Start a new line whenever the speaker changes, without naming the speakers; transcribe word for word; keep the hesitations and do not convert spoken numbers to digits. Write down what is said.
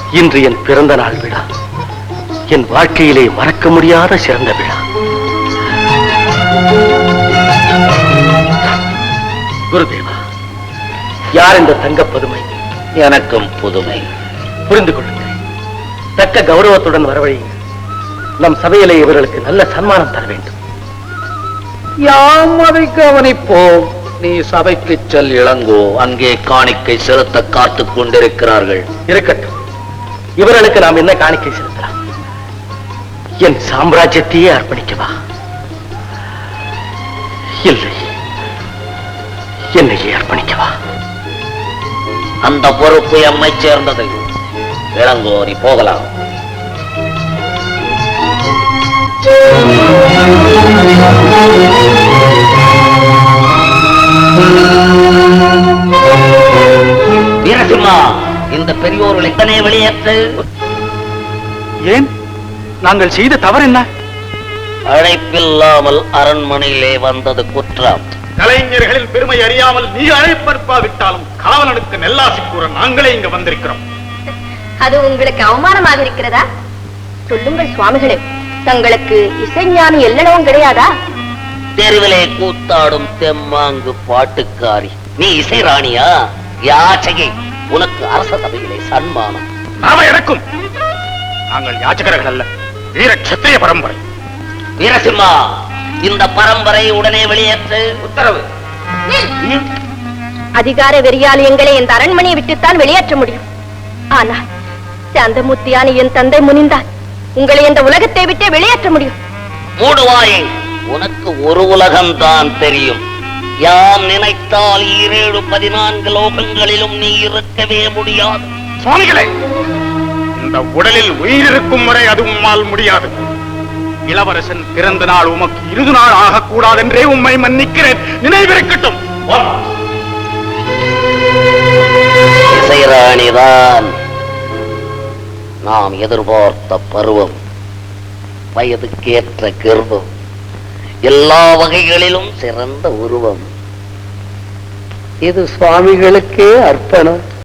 இன்று என் பிறந்த நாள் விழா, என் வாழ்க்கையிலே மறக்க முடியாத சிறந்த விழா. குருதேவா, யார் இந்த தங்க பதுமை?
எனக்கும் புதுமை.
புரிந்து கொள்ளுங்கள். தக்க கௌரவத்துடன் வரவழையுங்கள். நம் சபையிலே இவர்களுக்கு நல்ல சன்மானம் தர வேண்டும்.
யாம் அதை கவனிப்போம். நீ சபைக்கு செல் இளங்கோ. அங்கே காணிக்கை செலுத்த காத்துக் கொண்டிருக்கிறார்கள்.
இருக்கட்டும். இவர்களுக்கு நாம் என்ன காணிக்கை செலுத்தலாம்? என் சாம்ராஜ்யத்தையே அர்ப்பணிக்கவா? இல்லை, என்னையே அர்ப்பணிக்கவா?
அந்த பொறுப்பு எம்மை சேர்ந்தது. இளங்கோ, நீ போகலாம். வீரசிம்மா, இந்த பெரியோர்கள் எத்தனை வெளியேற்று.
ஏன்? நாங்கள் செய்த தவறு என்ன?
அழைப்பில்லாமல் அரண்மனையிலே வந்தது குற்றம்.
கலைஞர்களின் பெருமை அறியாமல் நீ அழைப்பற்பாவிட்டாலும் காவலனுக்கு நெல்லாசி கூற நாங்களே இங்க வந்திருக்கிறோம்.
அது உங்களுக்கு அவமானமாக இருக்கிறதா? சொல்லுங்கள் சுவாமிகளே, தங்களுக்கு இசைஞானி எல்லளவும் கிடையாதா?
தெருவிலே கூத்தாடும் தெம்மாங்கு பாட்டுக்காரி நீ இசை ராணியா? யாச்சகை, உனக்கு அரச சபையிலே சன்மானம்.
நாம எனக்கும். நாங்கள் யாச்சகர்கள் அல்ல, வீர கத்திரிய பரம்பரை.
வீரசிம்மா, இந்த பரம்பரை உடனே வெளியேற்று. உத்தரவு.
அதிகார வெறியால் எங்களை இந்த அரண்மனையை விட்டுத்தான் வெளியேற்ற முடியும். ஆனால் சாந்தமூர்த்தியான என் தந்தை முனிந்தால் உங்களை இந்த உலகத்தை விட்டே வெளியேற்ற முடியும்.
மூடுவாயே, உனக்கு ஒரு உலகம்தான் தெரியும். யாம் நினைத்தால் ஈரேழு பதினான்கு லோகங்களிலும் நீ இருக்கவே முடியாது.
சுவாமிகளே, இந்த உடலில் உயிர் இருக்கும் வரை அது உம்மால் முடியாது. இளவரசன் பிறந்த நாள் உமக்கு இருது நாள் ஆகக்கூடாது என்றே உம்மை மன்னிக்கிறேன். நினைவிருக்கட்டும்.
இசைராணிதான் நாம் எதிர்பார்த்த பருவம், வயதுக்கேற்ற கர்வம், எல்லா வகைகளிலும் சிறந்த உருவம். இது சுவாமிகளுக்கே அர்ப்பணம்.